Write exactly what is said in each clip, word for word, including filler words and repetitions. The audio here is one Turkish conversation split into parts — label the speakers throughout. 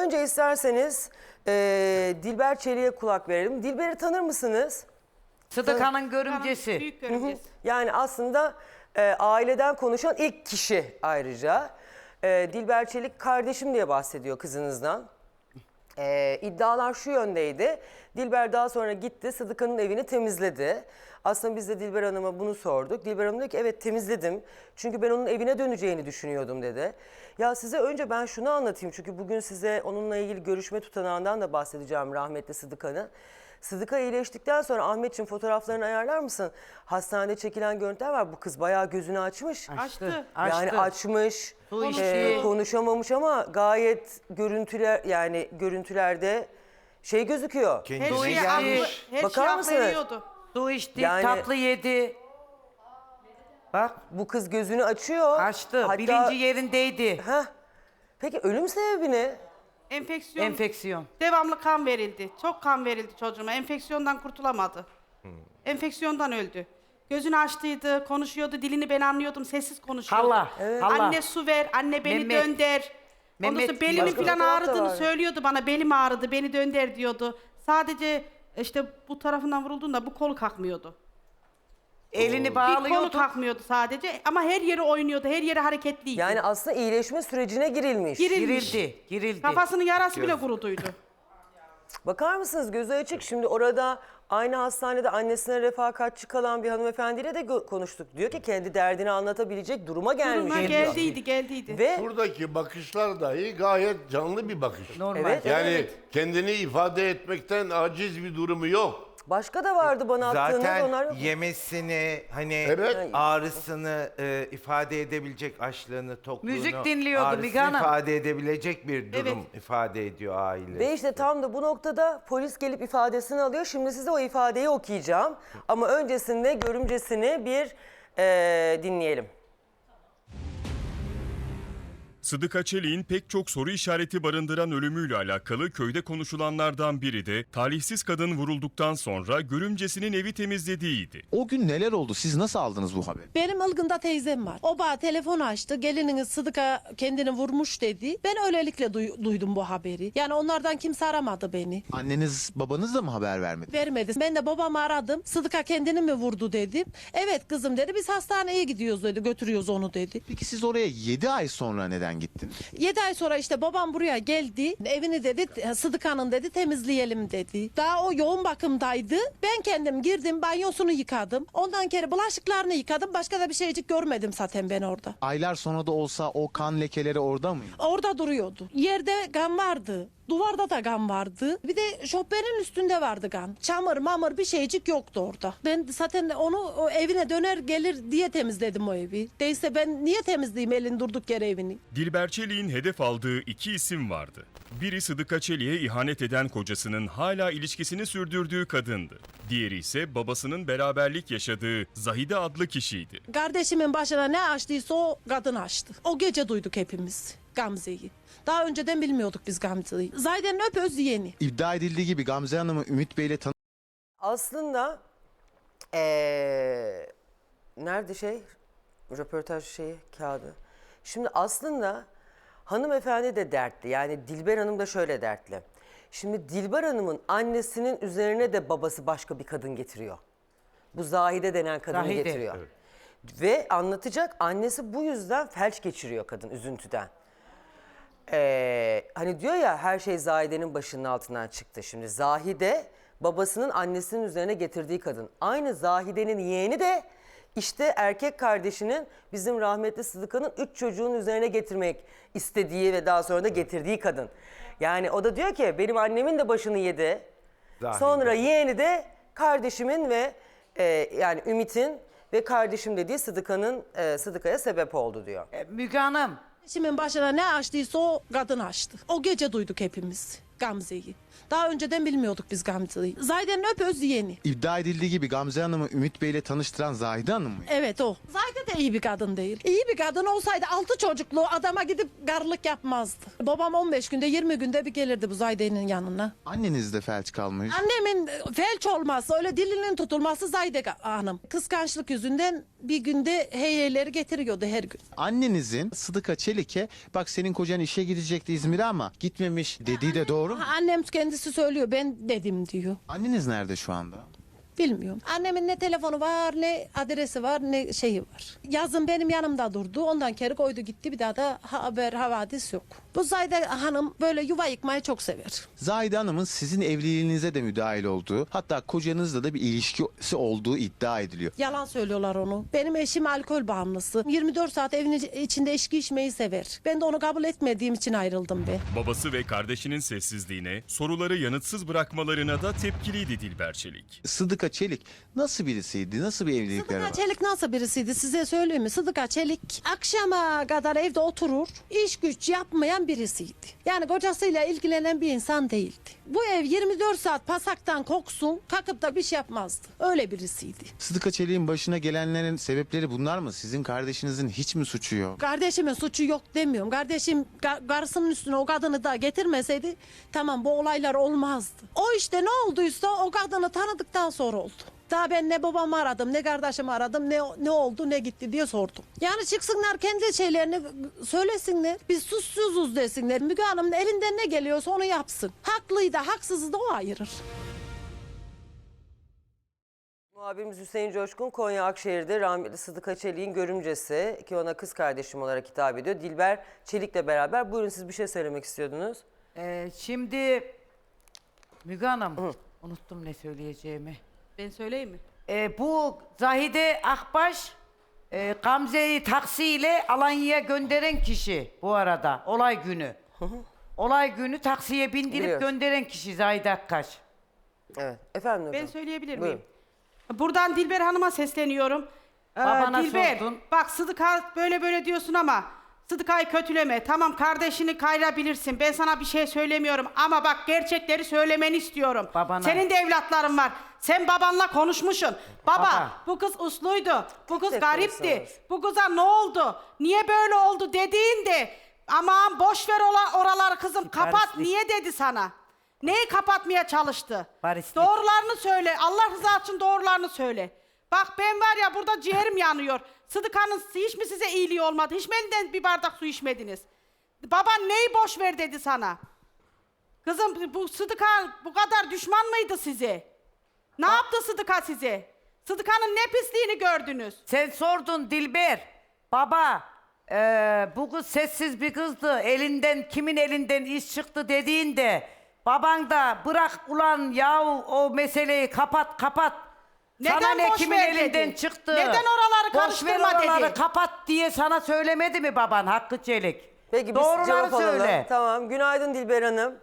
Speaker 1: önce isterseniz e, Dilber Çelik'e kulak verelim. Dilber'i tanır mısınız?
Speaker 2: Sıdıka'nın görümcesi.
Speaker 3: Büyük görümcesi.
Speaker 1: Yani aslında e, aileden konuşan ilk kişi ayrıca. E, Dilber Çelik kardeşim diye bahsediyor kızınızdan. E, iddialar şu yöndeydi. Dilber daha sonra gitti, Sıdıka'nın evini temizledi. Aslında biz de Dilber Hanım'a bunu sorduk. Dilber Hanım dedi ki evet temizledim. Çünkü ben onun evine döneceğini düşünüyordum dedi. Ya size önce ben şunu anlatayım. Çünkü bugün size onunla ilgili görüşme tutanağından da bahsedeceğim rahmetli Sıdıka'nın. Sıdıka iyileştikten sonra Ahmetciğim fotoğraflarını ayarlar mısın? Hastanede çekilen görüntüler var. Bu kız bayağı gözünü açmış.
Speaker 3: Açtı.
Speaker 1: Yani açmış,
Speaker 2: Su
Speaker 1: e,
Speaker 2: içti.
Speaker 1: konuşamamış ama gayet görüntüler yani görüntülerde şey gözüküyor.
Speaker 3: Her
Speaker 4: Kendine
Speaker 3: şeyi
Speaker 2: gelmiş.
Speaker 3: aklı, her
Speaker 1: Bakar
Speaker 3: şeyi aklı
Speaker 1: mısınız?
Speaker 3: veriyordu.
Speaker 2: Su içti,
Speaker 1: Yani-
Speaker 2: tatlı yedi. Bak
Speaker 1: Bu kız gözünü açıyor.
Speaker 2: açtı,
Speaker 1: Hatta-
Speaker 2: bilinci yerindeydi.
Speaker 1: Heh. Peki ölüm sebebi ne?
Speaker 3: Enfeksiyon.
Speaker 2: Enfeksiyon.
Speaker 3: Devamlı kan verildi. Çok kan verildi çocuğuma. Enfeksiyondan kurtulamadı. Enfeksiyondan öldü. Gözünü açtıydı, konuşuyordu, dilini ben anlıyordum, sessiz konuşuyordu.
Speaker 2: Hala, hala.
Speaker 3: Anne su ver, anne beni
Speaker 2: Mehmet.
Speaker 3: dönder. Ondan
Speaker 2: Mehmet,
Speaker 3: sonra belimi
Speaker 1: başka
Speaker 3: falan
Speaker 1: fotoğraf da
Speaker 3: ağrıdığını
Speaker 1: var.
Speaker 3: söylüyordu bana. Belim ağrıdı, beni dönder diyordu. Sadece işte bu tarafından vurulduğunda bu kolu kalkmıyordu.
Speaker 2: Elini
Speaker 3: Bir kolu
Speaker 2: bağlıyordu.
Speaker 3: kalkmıyordu sadece ama her yeri oynuyordu, her yeri hareketliydi.
Speaker 1: Yani aslında iyileşme sürecine girilmiş.
Speaker 3: Girilmiş.
Speaker 2: Girildi, girildi.
Speaker 3: Kafasının yarası bile kuruduydu.
Speaker 1: Bakar mısınız gözü açık. Şimdi orada aynı hastanede annesine refakatçi kalan bir hanımefendiyle de gö- konuştuk. Diyor ki kendi derdini anlatabilecek duruma gelmiş.
Speaker 3: Duruma
Speaker 1: diyor.
Speaker 3: geldiydi, geldiydi.
Speaker 1: Ve
Speaker 4: Buradaki bakışlar dahi gayet canlı bir bakış.
Speaker 2: Normal.
Speaker 1: Evet.
Speaker 4: Yani kendini ifade etmekten aciz bir durumu yok.
Speaker 1: başka da vardı bana attığınız onlar
Speaker 5: Zaten
Speaker 1: yok.
Speaker 5: yemesini, hani
Speaker 4: Evet.
Speaker 5: ağrısını e, ifade edebilecek, açlığını, tokluğunu,
Speaker 2: Müzik dinliyordu
Speaker 5: ağrısını
Speaker 2: Müge Hanım.
Speaker 5: ifade edebilecek bir durum
Speaker 3: Evet.
Speaker 5: ifade ediyor aile.
Speaker 1: Ve işte tam da bu noktada polis gelip ifadesini alıyor. Şimdi size o ifadeyi okuyacağım. Ama öncesinde görümcesini bir eee, dinleyelim.
Speaker 6: Sıdıka Çelik'in pek çok soru işareti barındıran ölümüyle alakalı köyde konuşulanlardan biri de talihsiz kadın vurulduktan sonra görümcesinin evi temizlediğiydi.
Speaker 7: O gün neler oldu? Siz nasıl aldınız bu haberi?
Speaker 8: Benim Ilgın'da teyzem var. O bana telefon açtı. Gelininiz Sıdıka kendini vurmuş dedi. Ben öylelikle duy- duydum bu haberi. Yani onlardan kimse aramadı beni.
Speaker 7: Anneniz, babanız da mı haber vermedi?
Speaker 8: Vermedi. Ben de babamı aradım. Sıdıka kendini mi vurdu dedim. Evet kızım dedi. Biz hastaneye gidiyoruz dedi. Götürüyoruz onu dedi.
Speaker 7: Peki siz oraya yedi ay sonra neden gittiniz?
Speaker 8: yedi ay sonra işte babam buraya geldi. Evini dedi Sıdıka'nın dedi temizleyelim dedi. Daha o yoğun bakımdaydı. Ben kendim girdim banyosunu yıkadım. Ondan kere bulaşıklarını yıkadım. Başka da bir şeycik görmedim zaten ben orada.
Speaker 7: Aylar sonra da olsa o kan lekeleri orada mıydı?
Speaker 8: Orada duruyordu. Yerde kan vardı. Duvarda da kan vardı. Bir de şoförün üstünde vardı kan. Çamur mamur bir şeycik yoktu orada. Ben zaten onu o evine döner gelir diye temizledim o evi. Değilse ben niye temizleyeyim elin durduk yere evini?
Speaker 6: Dilber Çelik'in hedef aldığı iki isim vardı. Biri Sıdıka Çelik'e ihanet eden kocasının hala ilişkisini sürdürdüğü kadındı. Diğeri ise babasının beraberlik yaşadığı Zahide adlı kişiydi.
Speaker 8: Kardeşimin başına ne açtıysa o kadın açtı. O gece duyduk hepimiz Gamze'yi. Daha önceden bilmiyorduk biz Gamze'yi. Zahide'nin öpöz yeni.
Speaker 7: İddia edildiği gibi Gamze Hanım'ı Ümit Bey'le tanı...
Speaker 1: Aslında eee, nerede şey röportaj şeyi kağıdı. Şimdi aslında hanımefendi de dertli. Yani Dilber Hanım da şöyle dertli. Şimdi Dilber Hanım'ın annesinin üzerine de babası başka bir kadın getiriyor. Bu Zahide denen kadını
Speaker 2: Zahide.
Speaker 1: getiriyor. Ve anlatacak annesi bu yüzden felç geçiriyor kadın üzüntüden. Ee, hani diyor ya her şey Zahide'nin başının altından çıktı. Şimdi Zahide babasının annesinin üzerine getirdiği kadın. Aynı Zahide'nin yeğeni de işte erkek kardeşinin bizim rahmetli Sıdıka'nın üç çocuğun üzerine getirmek istediği ve daha sonra da getirdiği kadın. Yani o da diyor ki benim annemin de başını yedi.
Speaker 5: Zahide.
Speaker 1: Sonra yeğeni de kardeşimin ve e, yani Ümit'in ve kardeşim dediği Sıdıka'nın e, Sıdıka'ya sebep oldu diyor.
Speaker 2: E, Müge Hanım,
Speaker 8: Kardeşimin başına ne açtıysa o kadın açtı. O gece duyduk hepimiz Gamze'yi. Daha önceden bilmiyorduk biz Gamze'yi. Zahide'nin öpöz yeğeni.
Speaker 7: İddia edildiği gibi Gamze Hanım'ı Ümit Bey'le tanıştıran Zahide Hanım mı?
Speaker 8: Evet o. Zahide de iyi bir kadın değil. İyi bir kadın olsaydı altı çocuklu adama gidip garlık yapmazdı. Babam on beş günde yirmi günde bir gelirdi bu Zahide'nin yanına.
Speaker 7: Anneniz de felç kalmış.
Speaker 8: Annemin felç olması, öyle dilinin tutulması Zahide Hanım. Kıskançlık yüzünden bir günde heyeyleri getiriyordu her gün.
Speaker 7: Annenizin Sıdıka Çelik'e bak senin kocan işe gidecekti İzmir'e ama gitmemiş dediği de doğru mu?
Speaker 8: Annem kendisi söylüyor, ben dedim diyor.
Speaker 7: Anneniz nerede şu anda?
Speaker 8: Bilmiyorum. Annemin ne telefonu var, ne adresi var, ne şeyi var. Yazın benim yanımda durdu. Ondan kere koydu gitti. Bir daha da haber, havadis yok. Bu Zahide Hanım böyle yuva yıkmayı çok sever.
Speaker 7: Zahide Hanım'ın sizin evliliğinize de müdahil olduğu, hatta kocanızla da bir ilişkisi olduğu iddia ediliyor.
Speaker 8: Yalan söylüyorlar onu. Benim eşim alkol bağımlısı. yirmi dört saat evin içinde içki içmeyi sever. Ben de onu kabul etmediğim için ayrıldım be.
Speaker 6: Babası ve kardeşinin sessizliğine, soruları yanıtsız bırakmalarına da tepkiliydi Dilber Çelik.
Speaker 7: Sıdıka Çelik nasıl birisiydi? Nasıl bir evlilikleri var?
Speaker 8: Sıdıka Çelik nasıl birisiydi size söyleyeyim mi? Sıdıka Çelik akşama kadar evde oturur, iş güç yapmayan birisiydi. Yani kocasıyla ilgilenen bir insan değildi. Bu ev yirmi dört saat pasaktan koksun, kalkıp da bir şey yapmazdı. Öyle birisiydi.
Speaker 7: Sıdıka Çelik'in başına gelenlerin sebepleri bunlar mı? Sizin kardeşinizin hiç mi suçu yok?
Speaker 8: Kardeşimin suçu yok demiyorum. Kardeşim ga- karısının üstüne o kadını da getirmeseydi tamam bu olaylar olmazdı. O işte ne olduysa o kadını tanıdıktan sonra oldu. Daha ben ne babamı aradım, ne kardeşimi aradım, ne ne oldu, ne gitti diye sordum. Yani çıksınlar kendi şeylerini söylesinler. Biz suçsuzuz desinler. Müge Hanım'ın elinden ne geliyorsa onu yapsın. Haklıyı da haksızı da o ayırır.
Speaker 1: Muhabirimiz Hüseyin Coşkun Konya Akşehir'de rahmetli Sıdıka Çelik'in görümcesi ki ona kız kardeşim olarak hitap ediyor. Dilber Çelik'le beraber. Buyurun siz bir şey söylemek istiyordunuz.
Speaker 2: Ee, şimdi Müge Hanım, unuttum ne söyleyeceğimi.
Speaker 3: Ben söyleyeyim mi?
Speaker 2: Ee, bu Zahide Akbaş e, Gamze'yi taksiyle Alanya'ya gönderen kişi bu arada olay günü. Olay günü taksiye bindirip
Speaker 1: Biliyoruz.
Speaker 2: gönderen kişi Zahide Akbaş.
Speaker 1: Evet. Efendim hocam.
Speaker 3: Ben söyleyebilir
Speaker 1: Buyurun.
Speaker 3: miyim? Buradan Dilber Hanım'a sesleniyorum. Ee,
Speaker 2: Babana
Speaker 3: Dilber,
Speaker 2: sordun.
Speaker 3: bak Sıdıka böyle böyle diyorsun ama Sıdıka'yı kötüleme. Tamam kardeşini kayırabilirsin. Ben sana bir şey söylemiyorum ama bak gerçekleri söylemeni istiyorum.
Speaker 2: Babana.
Speaker 3: Senin de evlatların var. Sen babanla konuşmuşsun. Baba,
Speaker 2: Baba.
Speaker 3: bu kız usluydu. Bu kız
Speaker 1: Tek
Speaker 3: garipti.
Speaker 1: konuşsanız.
Speaker 3: Bu kıza ne oldu? Niye böyle oldu dediğinde aman boş ver ola- oraları kızım kapat.
Speaker 2: Barislik.
Speaker 3: Niye dedi sana? Neyi kapatmaya çalıştı?
Speaker 2: Barislik.
Speaker 3: Doğrularını söyle. Allah rızası için doğrularını söyle. Bak ben var ya burada ciğerim yanıyor. Sıdıka'nın hiç mi size iyiliği olmadı? Hiç mi elinden bir bardak su içmediniz? Baban neyi boş ver dedi sana? Kızım bu Sıdıka bu kadar düşman mıydı size? Ne yaptı Sıdıka size? Sıdıka'nın ne pisliğini gördünüz?
Speaker 2: Sen sordun Dilber. Baba e, bu kız sessiz bir kızdı. Elinden kimin elinden iş çıktı dediğinde baban da bırak ulan yahu o meseleyi kapat kapat.
Speaker 3: Neden
Speaker 2: sana ne
Speaker 3: boş
Speaker 2: kimin
Speaker 3: ver
Speaker 2: elinden
Speaker 3: dedi?
Speaker 2: çıktı?
Speaker 3: Neden oraları
Speaker 2: Boş
Speaker 3: karıştırma
Speaker 2: ver oraları
Speaker 3: dedi?
Speaker 2: kapat diye sana söylemedi mi baban Hakkı Çelik?
Speaker 1: Peki biz
Speaker 2: Doğruları
Speaker 1: cevap alalım.
Speaker 2: söyle.
Speaker 1: Tamam. Günaydın Dilber Hanım.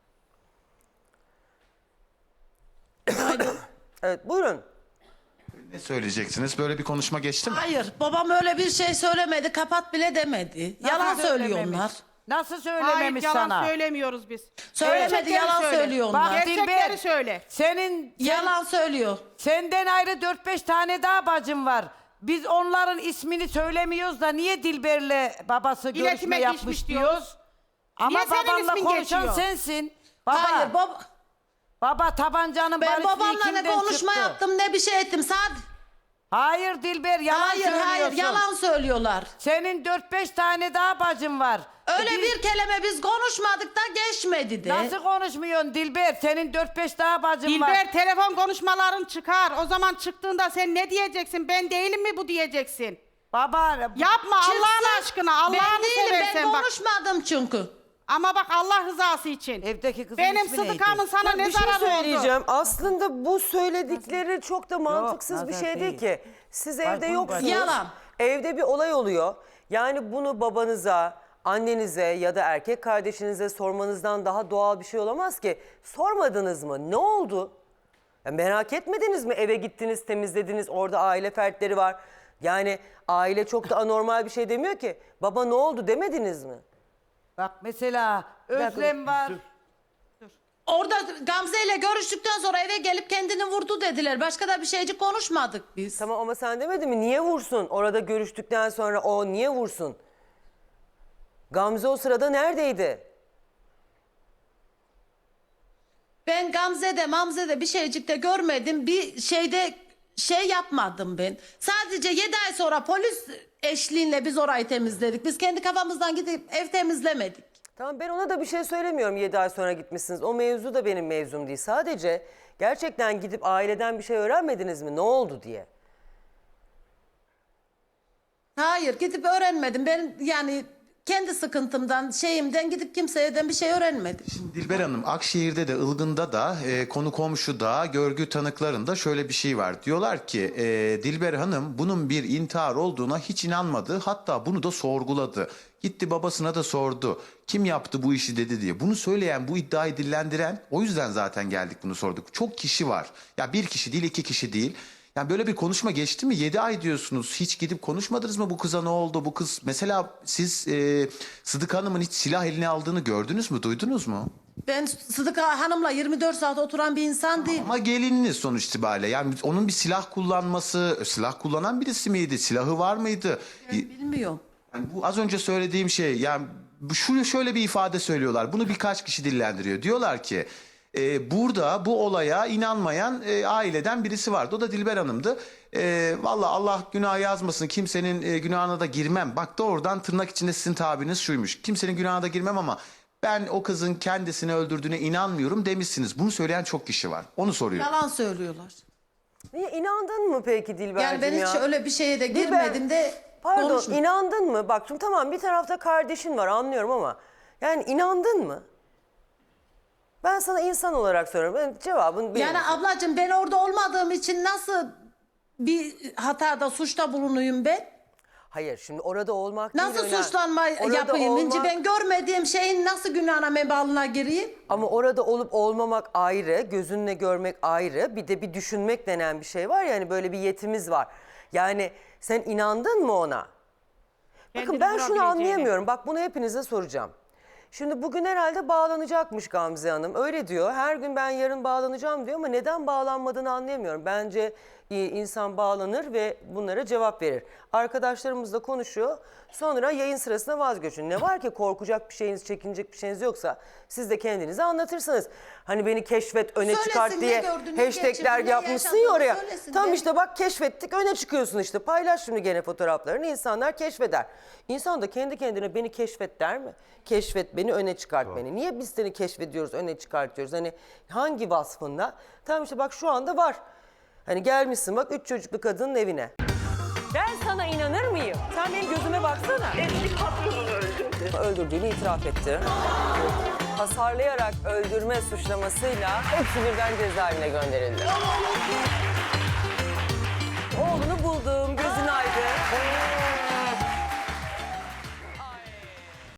Speaker 1: Evet buyurun.
Speaker 7: Ne söyleyeceksiniz? Böyle bir konuşma geçti mi?
Speaker 8: Hayır, babam öyle bir şey söylemedi, kapat bile demedi. Yalan
Speaker 2: Nasıl
Speaker 8: söylüyor
Speaker 2: söylememiş?
Speaker 8: onlar.
Speaker 2: Nasıl
Speaker 3: Hayır
Speaker 2: söylememiş
Speaker 3: yalan
Speaker 2: sana?
Speaker 3: söylemiyoruz biz.
Speaker 8: Söylemedi,
Speaker 3: Gerçekleri
Speaker 8: yalan
Speaker 3: söyle.
Speaker 8: söylüyor onlar.
Speaker 2: Bak
Speaker 3: Gerçekleri
Speaker 2: Dilber,
Speaker 3: söyle.
Speaker 2: Senin sen-
Speaker 8: Yalan söylüyor.
Speaker 2: Senden ayrı dört beş tane daha bacım var. Biz onların ismini söylemiyoruz da niye Dilber'le babası görüşme
Speaker 3: İletime
Speaker 2: yapmış
Speaker 3: geçmiş
Speaker 2: diyoruz?
Speaker 3: diyoruz.
Speaker 2: Ama
Speaker 3: Niye senin
Speaker 2: babanla
Speaker 3: ismin
Speaker 2: konuşan
Speaker 3: geçiyor?
Speaker 2: sensin. Baba,
Speaker 8: Hayır, baba,
Speaker 2: baba tabancanın
Speaker 8: ben
Speaker 2: barisliği
Speaker 8: babamla ne
Speaker 2: kimden
Speaker 8: konuşma
Speaker 2: çıktı?
Speaker 8: yaptım ne bir şey ettim. Sad
Speaker 2: Hayır Dilber yalan
Speaker 8: hayır,
Speaker 2: söylüyorsun.
Speaker 8: hayır, yalan söylüyorlar.
Speaker 2: Senin dört beş tane daha bacın var.
Speaker 8: Öyle
Speaker 2: E,
Speaker 8: bir kelime biz konuşmadık da geçmedi de.
Speaker 2: Nasıl konuşmuyorsun Dilber? Senin dört beş daha bacın var.
Speaker 3: Dilber telefon konuşmaların çıkar. O zaman çıktığında sen ne diyeceksin? Ben değilim mi bu diyeceksin?
Speaker 2: Baba
Speaker 3: Yapma Allah'ın
Speaker 8: Çıksın.
Speaker 3: aşkına.
Speaker 8: Ben
Speaker 3: Allah'ını
Speaker 8: değilim, ben
Speaker 3: seversen bak.
Speaker 8: konuşmadım çünkü.
Speaker 3: Ama bak Allah rızası için.
Speaker 2: evdeki kızın
Speaker 3: Benim
Speaker 2: ismi neydi?
Speaker 3: Sıdıka'nın sana
Speaker 1: Ya
Speaker 3: ne
Speaker 1: bir şey
Speaker 3: zararı oldu?
Speaker 1: söyleyeceğim. Aslında bu söyledikleri çok da mantıksız bir
Speaker 2: nazar
Speaker 1: şey değil
Speaker 2: değil.
Speaker 1: ki. Siz
Speaker 2: Ay,
Speaker 1: evde
Speaker 2: bunu
Speaker 1: yoksunuz.
Speaker 2: bak-
Speaker 8: Yalan.
Speaker 1: Evde bir olay oluyor. Yani bunu babanıza, annenize ya da erkek kardeşinize sormanızdan daha doğal bir şey olamaz ki. Sormadınız mı? Ne oldu? Ya merak etmediniz mi? Eve gittiniz, temizlediniz, orada aile fertleri var. Yani aile çok da anormal bir şey demiyor ki. Baba ne oldu demediniz mi?
Speaker 2: Bak mesela
Speaker 1: dakika,
Speaker 2: Özlem var.
Speaker 8: Orada Gamze ile görüştükten sonra eve gelip kendini vurdu dediler. Başka da bir şeycik konuşmadık biz.
Speaker 1: Tamam ama sen demedin mi? Niye vursun? Orada görüştükten sonra o niye vursun? Gamze o sırada neredeydi?
Speaker 8: Ben Gamze'de Mamze'de bir şeycik de görmedim. Bir şeyde şey yapmadım ben. Sadece yedi ay sonra polis eşliğinde biz orayı temizledik. Biz kendi kafamızdan gidip ev temizlemedik.
Speaker 1: Tamam ben ona da bir şey söylemiyorum yedi ay sonra gitmişsiniz. O mevzu da benim mevzum değil. Sadece gerçekten gidip aileden bir şey öğrenmediniz mi? Ne oldu diye.
Speaker 8: Hayır gidip öğrenmedim. Ben yani kendi sıkıntımdan şeyimden gidip kimseyden bir şey öğrenmedim.
Speaker 7: Dilber Hanım, Akşehir'de de Ilgın'da da e, konu komşuda görgü tanıklarında şöyle bir şey var. Diyorlar ki e, Dilber Hanım bunun bir intihar olduğuna hiç inanmadı. Hatta bunu da sorguladı. Gitti babasına da sordu. Kim yaptı bu işi dedi diye. Bunu söyleyen, bu iddiayı dillendiren, o yüzden zaten geldik bunu sorduk. Çok kişi var. Ya bir kişi değil, iki kişi değil. Yani böyle bir konuşma geçti mi? Yedi ay diyorsunuz. Hiç gidip konuşmadınız mı bu kıza ne oldu? Bu kız mesela siz e, Sıdık Hanım'ın hiç silah eline aldığını gördünüz mü? Duydunuz mu?
Speaker 8: Ben Sıdıka Hanım'la yirmi dört saat oturan bir insan değilim.
Speaker 7: Ama gelininiz sonuç itibariyle. Yani onun bir silah kullanması, silah kullanan birisi miydi? Silahı var mıydı?
Speaker 8: Ben bilmiyorum.
Speaker 7: Yani bu az önce söylediğim şey, yani bu- şu şöyle bir ifade söylüyorlar. Bunu birkaç kişi dillendiriyor. Diyorlar ki e, burada bu olaya inanmayan e, aileden birisi vardı. O da Dilber Hanım'dı. E, Valla Allah günah yazmasın, kimsenin e, günahına da girmem. Bak doğrudan tırnak içinde sizin tabiriniz şuymuş. Kimsenin günahına da girmem ama ben o kızın kendisini öldürdüğüne inanmıyorum demişsiniz. Bunu söyleyen çok kişi var. Onu soruyorum.
Speaker 8: Yalan söylüyorlar.
Speaker 1: Niye inandın mı peki Dilber'cim
Speaker 8: Yani ben
Speaker 1: ya?
Speaker 8: hiç öyle bir şeye de
Speaker 1: Dilber,
Speaker 8: girmedim de
Speaker 1: Pardon
Speaker 8: konuşmadım.
Speaker 1: inandın mı? Bak şimdi tamam bir tarafta kardeşin var anlıyorum ama yani inandın mı? Ben sana insan olarak soruyorum. Ben cevabın benim.
Speaker 8: Yani ablacığım ben orada olmadığım için nasıl bir hatada suçta bulunuyum ben?
Speaker 1: Hayır şimdi orada olmak
Speaker 8: Nasıl
Speaker 1: değil önemli.
Speaker 8: suçlanma
Speaker 1: Orada
Speaker 8: yapayım? İnci
Speaker 1: olmak-
Speaker 8: ben görmediğim şeyin nasıl günahına mebalına gireyim?
Speaker 1: Ama orada olup olmamak ayrı, gözünle görmek ayrı. Bir de bir düşünmek denen bir şey var ya hani böyle bir yetimiz var. Yani sen inandın mı ona? Bakın
Speaker 3: Kendini
Speaker 1: ben şunu
Speaker 3: vurabileceğine.
Speaker 1: anlayamıyorum. Bak bunu hepinize soracağım. Şimdi bugün herhalde bağlanacakmış Gamze Hanım. Öyle diyor. Her gün ben yarın bağlanacağım diyor ama neden bağlanmadığını anlayamıyorum. Bence e, insan bağlanır ve bunlara cevap verir. Arkadaşlarımızla konuşuyor. Sonra yayın sırasında vazgeçin. Ne var ki korkacak bir şeyiniz, çekinecek bir şeyiniz yoksa siz de kendinizi anlatırsınız. Hani beni keşfet, öne
Speaker 8: Söylesin,
Speaker 1: çıkart
Speaker 8: ne
Speaker 1: diye
Speaker 8: gördün, ne
Speaker 1: hashtagler
Speaker 8: geçirdin, ne
Speaker 1: yapmışsın ya
Speaker 8: yaşadın,
Speaker 1: oraya.
Speaker 8: söylesin
Speaker 1: Tam
Speaker 8: de.
Speaker 1: işte bak keşfettik, öne çıkıyorsun işte. Paylaş şimdi gene fotoğraflarını, insanlar keşfeder. İnsan da kendi kendine beni keşfet der mi? Keşfet beni, öne çıkart beni. Niye biz seni keşfediyoruz, öne çıkartıyoruz? Hani hangi vasfında? Tamam işte bak şu anda var. Hani gelmişsin bak üç çocuklu kadının evine. Ben sana inanır mıyım? Sen benim gözüme baksana.
Speaker 9: Eski patronunu öldürdü.
Speaker 1: Öldürdüğünü itiraf etti. Hasarlayarak öldürme suçlamasıyla hepsi birden cezaevine gönderildi. Oğlunu